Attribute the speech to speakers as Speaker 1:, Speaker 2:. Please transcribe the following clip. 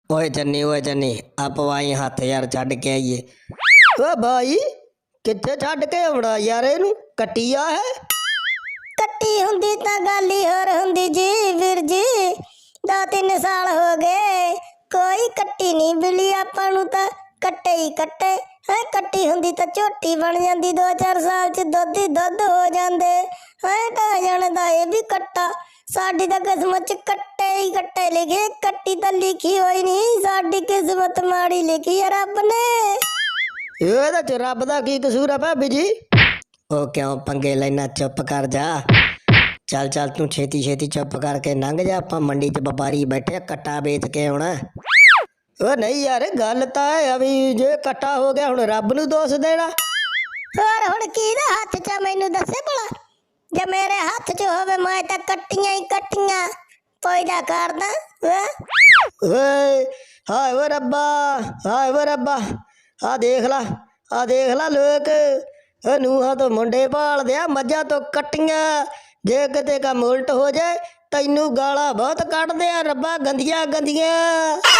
Speaker 1: ਓਏ ਚੰਨੀ ਆ ਪਵਾਈ ਹੱਥ ਯਾਰ ਛੱਡ ਕੇ ਆਈਏ। ਓ ਭਾਈ ਕਿੱਥੇ ਛੱਡ ਕੇ ਆਉਣਾ ਯਾਰ, ਇਹਨੂੰ ਕੱਟੀਆ ਹੈ।
Speaker 2: ਕੱਟੀ ਹੁੰਦੀ ਤਾਂ ਗੱਲ ਹੀ ਹੋਰ ਹੁੰਦੀ ਜੀ ਵੀਰ ਜੀ। 2-3 ਸਾਲ ਹੋ ਗਏ ਕੋਈ ਕੱਟੀ ਨਹੀਂ ਮਿਲੀ ਆਪਾਂ ਨੂੰ, ਤਾਂ ਕੱਟੇ ਹੀ ਕੱਟੇ ਹੈ। ਕੱਟੀ ਹੁੰਦੀ ਤਾਂ ਝੋਟੀ ਬਣ ਜਾਂਦੀ, 2-4 ਸਾਲ ਚ ਦੁੱਧ ਹੀ ਦੁੱਧ ਹੋ ਜਾਂਦੇ ਹੈ। ਕਹ ਜਾਣਦਾ ਇਹ ਵੀ ਕੱਟਾ, ਸਾਡੀ ਤਾਂ ਕਿਸਮਤ ਚ ਕੱਟੇ ਹੀ ਕੱਟੇ ਲਿਖੇ, ਕੱਟੀ ਤਾਂ ਲਿਖੀ ਹੋਈ ਨਹੀਂ। ਸਾਡੀ ਕਿਸਮਤ ਮਾੜੀ ਲਿਖੀ ਹੈ ਰੱਬ ਨੇ।
Speaker 1: ਇਹਦੇ ਚ ਰੱਬ ਦਾ ਕੀ ਕਸੂਰ ਆ ਭਾਬੀ ਜੀ? ਉਹ ਕਿਉਂ ਪੰਗੇ ਲੈਣਾ, ਚੁੱਪ ਕਰ ਜਾ। ਚੱਲ ਤੂੰ ਛੇਤੀ ਛੇਤੀ ਚੁੱਪ ਕਰਕੇ ਲੰਘ ਜਾ, ਆਪਾਂ ਮੰਡੀ 'ਚ ਵਪਾਰੀ ਬੈਠੇ, ਕੱਟਾ ਵੇਚ ਕੇ ਆਉਣਾ। ਉਹ ਨਹੀਂ ਯਾਰ, ਗੱਲ ਤਾਂ ਇਹ ਆ ਵੀ ਜੇ ਕੱਟਾ ਹੋ ਗਿਆ ਹੁਣ ਰੱਬ ਨੂੰ ਦੋਸ਼ ਦੇਣਾ।
Speaker 2: ਹੋਰ ਹੁਣ ਕਿਹਦੇ ਹੱਥ 'ਚ ਆ ਮੈਨੂੰ ਦੱਸੇ ਭਲਾ। ਜੇ ਮੇਰੇ ਹੱਥ 'ਚ ਹੋਵੇ ਮੈਂ ਤਾਂ ਕੱਟੀਆਂ ਹੀ ਕੱਟੀਆਂ ਪੈਦਾ ਕਰਦਾ।
Speaker 1: ਓਏ ਹਾਏ ਓ ਰੱਬਾ, ਹਾਏ ਓ ਰੱਬਾ, ਆ ਦੇਖ ਲਾ ਲੋਕ ਨੂੰਹਾਂ ਤੋਂ ਮੁੰਡੇ ਭਾਲਦੇ ਆ, ਮੱਝਾਂ ਤੋਂ ਕੱਟੀਆਂ। ਜੇ ਕਿਤੇ ਕੰਮ ਉਲਟ ਹੋ ਜਾਏ ਤੈਨੂੰ ਗਾਲਾਂ ਬਹੁਤ ਕੱਢਦੇ ਆ ਰੱਬਾ, ਗੰਦੀਆਂ ਗੰਦੀਆਂ।